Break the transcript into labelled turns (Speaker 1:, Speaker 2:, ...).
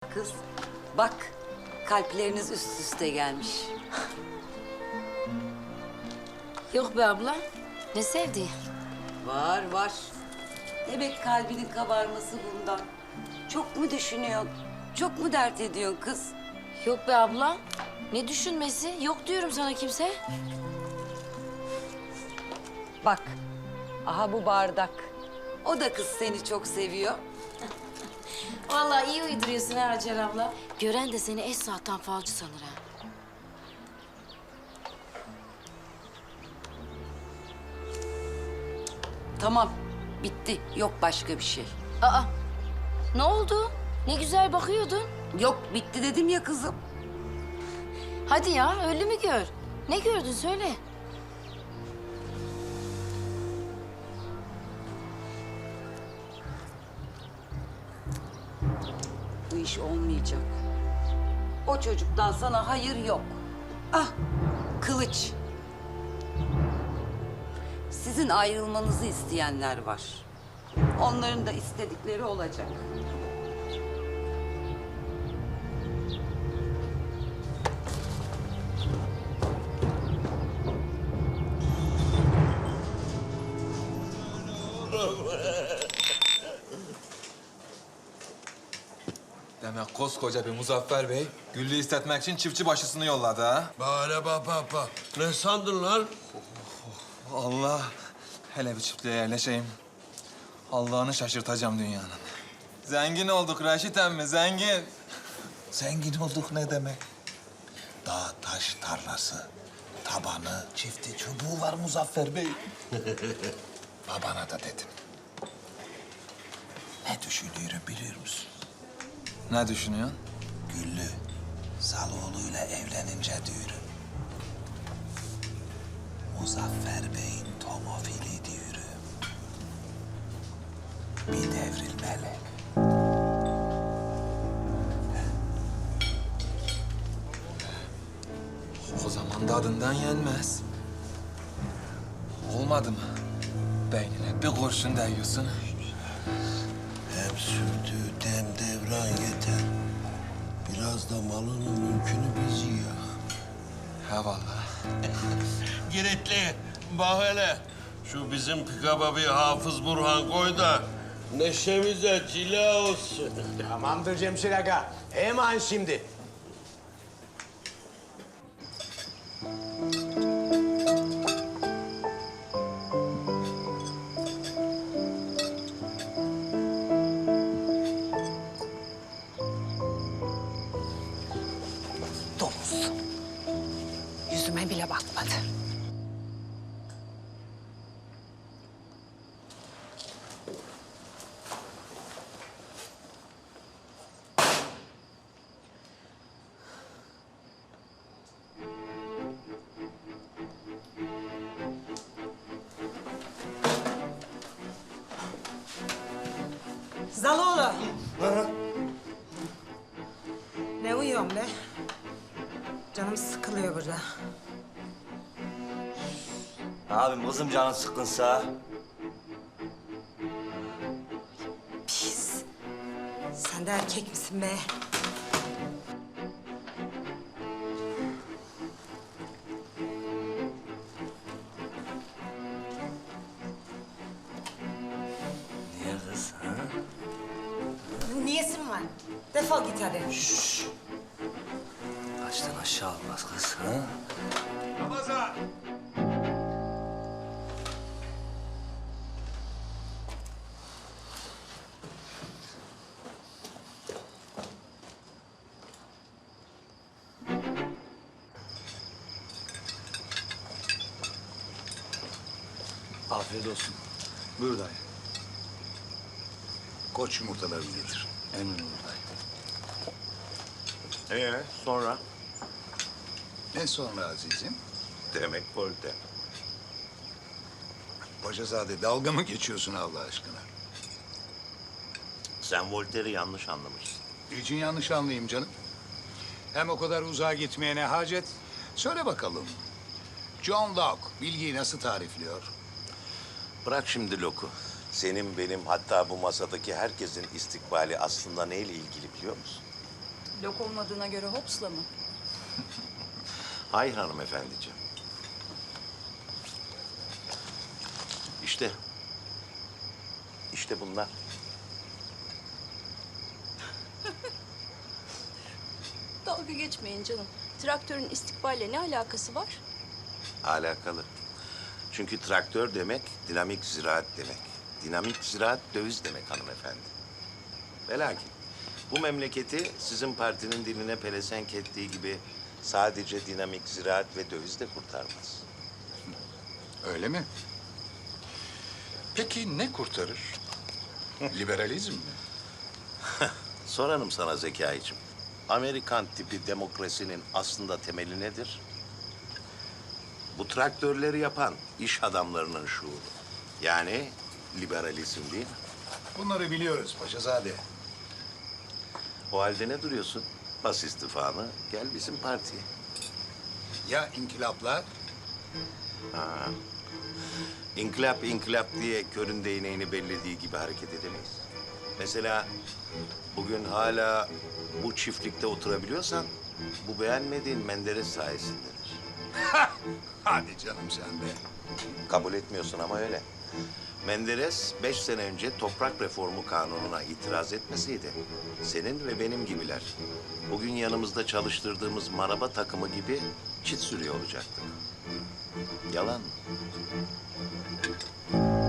Speaker 1: kız. Bak, kalpleriniz üst üste gelmiş.
Speaker 2: Yok be abla. Ne sevdi?
Speaker 1: Var, var. Demek kalbinin kabarması bundan. Çok mu düşünüyorsun? Çok mu dert ediyorsun kız?
Speaker 2: Yok be abla. Ne düşünmesi? Yok diyorum sana kimse.
Speaker 1: Bak, aha bu bardak. O da kız seni çok seviyor.
Speaker 2: Vallahi iyi uyduruyorsun ha Hacer abla. Gören de seni eş saatten falcı sanır ha.
Speaker 1: Tamam, bitti. Yok başka bir şey.
Speaker 2: Aa, ne oldu? Ne güzel bakıyordun.
Speaker 1: Yok, bitti dedim ya kızım.
Speaker 2: Hadi ya, öyle mi gör? Ne gördün söyle.
Speaker 1: Bu iş olmayacak. O çocuktan sana hayır yok. Ah, kılıç. Sizin ayrılmanızı isteyenler var. Onların da istedikleri olacak.
Speaker 3: Demek koskoca bir Muzaffer Bey Güllü'yü istetmek için çiftçi başısını yolladı ha?
Speaker 4: Bana bak. Ne sandın lan?
Speaker 3: Allah. Hele bir çiftliğe yerleşeyim. Allah'ını şaşırtacağım dünyanın. Zengin olduk Raşit emmi, zengin.
Speaker 5: Zengin olduk ne demek? Dağ taş tarlası, tabanı, çifti çubuğu var Muzaffer Bey. Babana da dedim. Ne düşünüyorum biliyor musun?
Speaker 3: Ne düşünüyorsun?
Speaker 5: Güllü, Zaloğlu'yla evlenince diyorum. Muzaffer Bey'in tomofili diyorum. Bir devrilmeli.
Speaker 3: O zaman da adından yenmez. Olmadı mı? Beynine bir kurşun değiyorsun.
Speaker 4: Hem sürdüğü dem devran yeter. Biraz da malının mülkünü biz yiyor.
Speaker 3: Ha vallahi.
Speaker 4: Giritli, bak hele. Şu bizim pikaba bir Hafız Burhan koy da neşemize cila olsun.
Speaker 6: Tamamdır Cemşir Aga. Hemen şimdi.
Speaker 7: Domuz. Yüzüme bile bakmadı.
Speaker 8: Zaloğlu. Ne uyuyorsun be? Canım sıkılıyor burada.
Speaker 9: Abim kızım canın sıkkınsa.
Speaker 8: Pis. Sen de erkek misin be?
Speaker 9: Niye kız ha?
Speaker 8: Niyesin var? Defol git hadi.
Speaker 9: Kaçtan aşağı olmaz kız ha?
Speaker 3: Ramazan!
Speaker 5: Afiyet olsun. Buyur dayı. Koç yumurtalarını getir. Emin ol dayı.
Speaker 9: Sonra?
Speaker 5: Ne sonra azizim?
Speaker 9: Demek Voltaire.
Speaker 5: Paşazade dalga mı geçiyorsun Allah aşkına?
Speaker 9: Sen Voltaire'i yanlış anlamışsın.
Speaker 5: Niçin yanlış anlayayım canım? Hem o kadar uzağa gitmeye ne hacet? Söyle bakalım. John Locke bilgiyi nasıl tarifliyor?
Speaker 9: Bırak şimdi Locke'u. Senin, benim, hatta bu masadaki herkesin istikbali aslında neyle ilgili biliyor musun?
Speaker 10: Lok olmadığına göre hopsla mı?
Speaker 9: Hay hanımefendiciğim. İşte. İşte bunlar.
Speaker 10: Dalga geçmeyin canım. Traktörün istikballe ne alakası var?
Speaker 9: Alakalı. Çünkü traktör demek dinamik ziraat demek. Dinamik ziraat döviz demek hanımefendi. Ve lakin bu memleketi sizin partinin diline pelesenk ettiği gibi sadece dinamik ziraat ve döviz de kurtarmaz.
Speaker 11: Öyle mi? Peki ne kurtarır? Liberalizm mi?
Speaker 9: Sorarım sana Zekai'cim. Amerikan tipi demokrasinin aslında temeli nedir? Bu traktörleri yapan iş adamlarının şuuru. Yani liberalizm değil mi?
Speaker 11: Bunları biliyoruz Paşazade.
Speaker 9: O halde ne duruyorsun? Bas istifanı, gel bizim partiye.
Speaker 11: Ya inkılaplar?
Speaker 9: İnkılap inkılap diye körün değneğini bellediği gibi hareket edemeyiz. Mesela bugün hala bu çiftlikte oturabiliyorsan bu beğenmediğin Menderes sayesindedir.
Speaker 11: Hadi canım sen de.
Speaker 9: Kabul etmiyorsun ama öyle. Menderes 5 sene önce toprak reformu kanununa itiraz etmeseydi senin ve benim gibiler bugün yanımızda çalıştırdığımız maraba takımı gibi çit sürüyor olacaktık. Yalan mı?